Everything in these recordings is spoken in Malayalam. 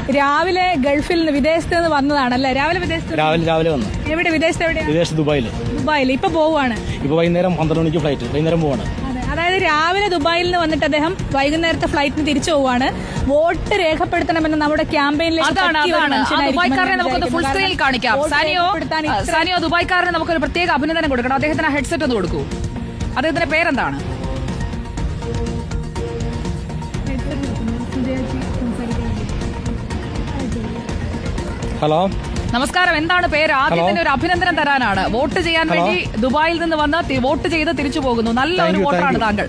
രാവിലെ ഗൾഫിൽ നിന്ന് വിദേശത്ത് നിന്ന് വന്നതാണല്ലേ? രാവിലെ വന്നു. എവിടെ വിദേശത്ത്? എവിടെയാണ്? വിദേശത്ത് ദുബായിൽ. ഇപ്പൊ പോവാണ്. ഇപ്പൊ വൈകുന്നേരം 12 മണിക്ക് ഫ്ലൈറ്റ്. വൈകുന്നേരം പോവാണ്. അതായത് രാവിലെ ദുബായിൽ നിന്ന് വന്നിട്ട് അദ്ദേഹം വൈകുന്നേരത്തെ ഫ്ലൈറ്റിന് തിരിച്ചു പോവാണ്. വോട്ട് രേഖപ്പെടുത്തണമെന്ന് നമ്മുടെ ക്യാമ്പയിനിലേക്ക് ദുബായ്ക്കാരനെ നമുക്കൊന്ന് ഫുൾ സ്ക്രീനിൽ കാണിക്കാം. സാനിയോ ദുബായ്ക്കാരനെ നമുക്കൊരു പ്രത്യേക അഭിനന്ദനം കൊടുക്കണം. അദ്ദേഹത്തിന് ഹെഡ്സെറ്റ് ഒന്ന് കൊടുക്കൂ. അദ്ദേഹത്തിന്റെ പേരെന്താണ്? ഹലോ, നമസ്കാരം. എന്താണ് പേര്? ആദ്യം തന്നെ ഒരു അഭിനന്ദനം തരാനാണ്. വോട്ട് ചെയ്യാൻ വേണ്ടി ദുബായിൽ നിന്ന് വന്ന് വോട്ട് ചെയ്ത് തിരിച്ചു പോകുന്നു. നല്ല ഒരു വോട്ടറാണ് താങ്കൾ.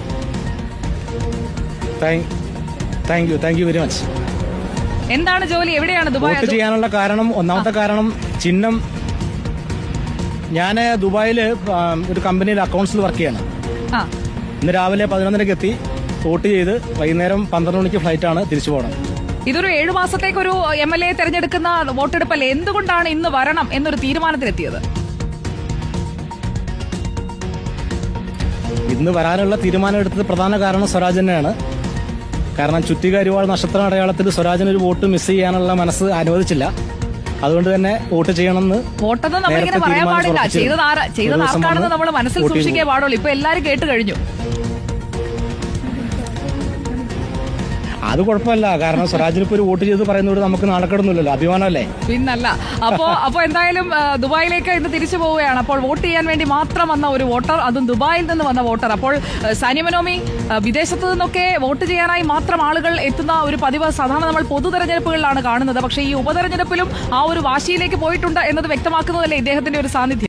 Thank you very much. എന്താണ് ജോലി? എവിടെയാണ് ദുബായ്? വോട്ട് ചെയ്യാനുള്ള കാരണം, ഒന്നാമത്തെ കാരണം ചിഹ്നം. ഞാൻ ദുബായില് ഒരു കമ്പനിയിൽ അക്കൗണ്ട്സിൽ വർക്ക് ചെയ്യാണ്. ഇന്ന് രാവിലെ 11:30 എത്തി. വോട്ട് ചെയ്ത് വൈകുന്നേരം 12 മണിക്ക് ഫ്ലൈറ്റാണ് തിരിച്ചു പോകണം. ഇതൊരു 7 മാസത്തേക്കൊരു MLA തെരഞ്ഞെടുക്കുന്ന വോട്ടെടുപ്പല്ലേ? എന്തുകൊണ്ടാണ് ഇന്ന് വരണം എന്നൊരു തീരുമാനത്തിലെത്തിയത്? ഇന്ന് വരാനുള്ള തീരുമാനം എടുത്തത് പ്രധാന കാരണം സ്വരാജ് തന്നെയാണ്. കാരണം ചുറ്റിക അരിവാൾ നക്ഷത്ര അടയാളത്തിൽ സ്വരാജിന് ഒരു വോട്ട് മിസ് ചെയ്യാനുള്ള മനസ്സ് അനുവദിച്ചില്ല. അതുകൊണ്ട് തന്നെ വോട്ട് ചെയ്യണമെന്ന്. വോട്ടെന്ന് നമ്മളിങ്ങനെ പറയാൻ പാടില്ല. ചെയ്തത് ആർക്കാണെന്ന് നമ്മൾ മനസ്സിൽ സൂക്ഷിക്കേ പാടുള്ളൂ. ഇപ്പൊ എല്ലാരും കേട്ട് കഴിഞ്ഞു. അത് കുഴപ്പമില്ല. കാരണം സ്വരാജിന് ഇപ്പൊ ഒരു വോട്ട് ചെയ്ത് പറയുന്നത് നമുക്ക് നാണക്കേടൊന്നുമില്ലല്ലോ, അഭിമാനമല്ലേ? പിന്നല്ല. അപ്പോ എന്തായാലും ദുബായിലേക്ക് ഇന്ന് തിരിച്ചു പോവുകയാണ്. അപ്പോൾ വോട്ട് ചെയ്യാൻ വേണ്ടി മാത്രം വന്ന ഒരു വോട്ടർ, അതും ദുബായിൽ നിന്ന് വന്ന വോട്ടർ. അപ്പോൾ സാനിയ മനോമി, വിദേശത്ത് നിന്നൊക്കെ വോട്ട് ചെയ്യാനായി മാത്രം ആളുകൾ എത്തുന്ന ഒരു പതിവ് സാധാരണ നമ്മൾ പൊതു തെരഞ്ഞെടുപ്പുകളിലാണ് കാണുന്നത്. പക്ഷേ ഈ ഉപതെരഞ്ഞെടുപ്പിലും ആ ഒരു വാശിയിലേക്ക് പോയിട്ടുണ്ട് എന്നത് വ്യക്തമാക്കുന്നതല്ലേ ഇദ്ദേഹത്തിന്റെ ഒരു സാന്നിധ്യം?